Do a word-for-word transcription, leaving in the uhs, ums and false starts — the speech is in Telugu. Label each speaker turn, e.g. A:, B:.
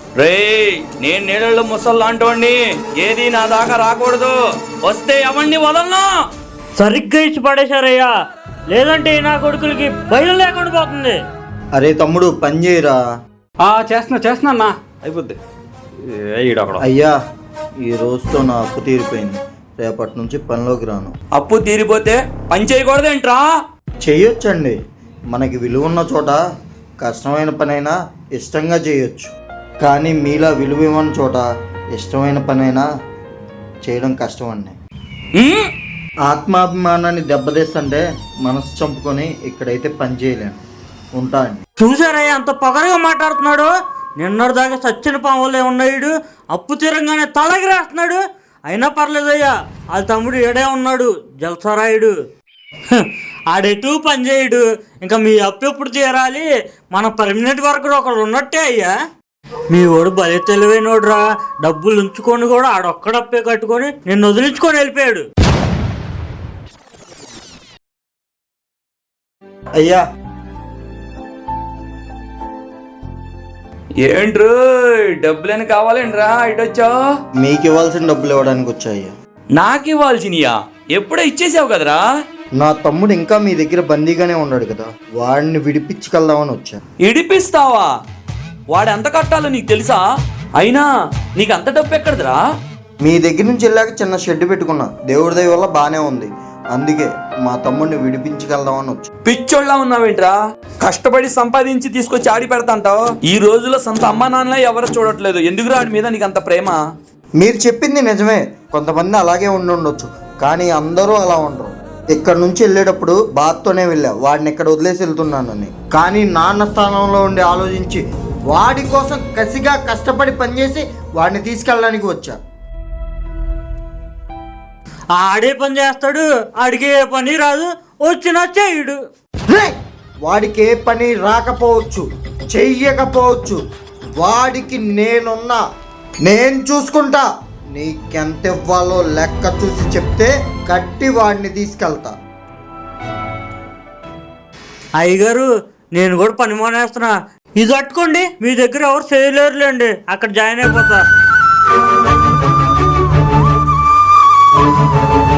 A: రే, నేను నీళ్ళలో ముసల్లాంటోండి, ఏది నా దాకా రాకూడదు. వస్తే ఎవరిని వదలను.
B: సరిగ్గా ఇచ్చి పడేశారయ్యా, లేదంటే నా కొడుకులకి బయలు లేకుండా పోతుంది.
C: అరే తమ్ముడు పని చేయరా.
D: చేస్తున్నా చేస్తున్నా అన్నా, అయిపోద్ది.
C: అయ్యా ఈ రోజుతో నా అప్పు తీరిపోయింది, రేపటి నుంచి పనిలోకి రాను.
A: అప్పు తీరిపోతే పని చేయకూడదేంట్రా?
C: చేయొచ్చండి, మనకి విలువ ఉన్న చోట కష్టమైన పనైనా ఇష్టంగా చేయొచ్చు. కానీ మీలా విలువ ఇవ్వని చోట ఇష్టమైన పనైనా చేయడం కష్టం అండి. ఆత్మాభిమానాన్ని దెబ్బతీస్తుంటే మనసు చంపుకొని ఇక్కడైతే పని చేయలేను. ఉంటా అండి.
B: చూసారయ్యా అంత పొగరగా మాట్లాడుతున్నాడు. నిన్నటి దాకా సచ్చిన పాములే ఉన్నాడు, అప్పు తీరంగానే తలగిరేస్తున్నాడు. అయినా పర్లేదయ్యా, వాళ్ళ తమ్ముడు ఏడే ఉన్నాడు, జలసరాయుడు. ఆడెటు పని చేయడు. ఇంకా మీ అప్పు ఎప్పుడు తీరాలి? మన పర్మనెంట్ వర్కర్ ఒకడు ఉన్నట్టే అయ్యా. మీ వాడు భలే తెలివైనోడురా, డబ్బులు ఉంచుకొని కూడా ఆడొక్కడప్పే కట్టుకొని నిన్ను వదిలించుకొని వెళ్ళిపోయాడు.
C: అయ్యా
A: ఏంట్రు డబ్బులని కావాలేంట్రా ఇటొచ్చా?
C: మీకు ఇవ్వాల్సిన డబ్బులు ఇవ్వడానికి వచ్చాయ్యా.
A: నాకు ఇవ్వాల్సినయా? ఎప్పుడో ఇచ్చేసావు కదరా.
C: నా తమ్ముడు ఇంకా మీ దగ్గర బందీగానే ఉన్నాడు కదా, వాడిని విడిపించుకెళ్దామని వచ్చా.
A: ఇడిపిస్తావా? వాడు ఎంత కట్టాలో నీకు తెలుసా? అయినా నీకు అంత డబ్బు ఎక్కడదిరా?
C: మీ దగ్గర నుంచి వెళ్ళాక చిన్న షెడ్ పెట్టుకున్నా, దేవుడి దయ వల్ల బాగానే ఉంది. అందుకే మా తమ్ముడిని విడిపించుకెళ్దామని వచ్చా.
A: పిచ్చోళ్ళ ఉన్నావేంట్రా? కష్టపడి సంపాదించి తీసుకొచ్చి ఆడి పెడతాంటావు. ఈ రోజులో సొంత అమ్మా నాన్న ఎవరు చూడట్లేదు. ఎందుకు వాడి మీద నీకు అంత ప్రేమ?
C: మీరు చెప్పింది నిజమే, కొంతమంది అలాగే ఉండి ఉండొచ్చు, కానీ అందరూ అలా ఉండరు. ఇక్కడ నుంచి వెళ్ళేటప్పుడు బాత్తోనే వెళ్ళా, వాడిని ఇక్కడ వదిలేసి వెళ్తున్నానని. కానీ నాన్న స్థానంలో ఉండి ఆలోచించి వాడి కోసం కసిగా కష్టపడి పనిచేసి వాడిని తీసుకెళ్ళడానికి వచ్చా.
B: ఆడే పని చేస్తాడు, ఆడికి ఏ పని రాదు, వచ్చినా చేయడు.
C: వాడికి ఏ పని రాకపోవచ్చు, చెయ్యకపోవచ్చు, వాడికి నేనున్నా, నేను చూసుకుంటా. నీకెంత ఇవ్వాలో లెక్క చూసి చెప్తే కట్టి వాడిని తీసుకెళ్తా.
B: అయ్యగారు నేను కూడా పని మానేస్తున్నా, ఇది పట్టుకోండి. మీ దగ్గర ఎవరు చేయలేరులేండి, అక్కడ జాయిన్ అయిపోతా.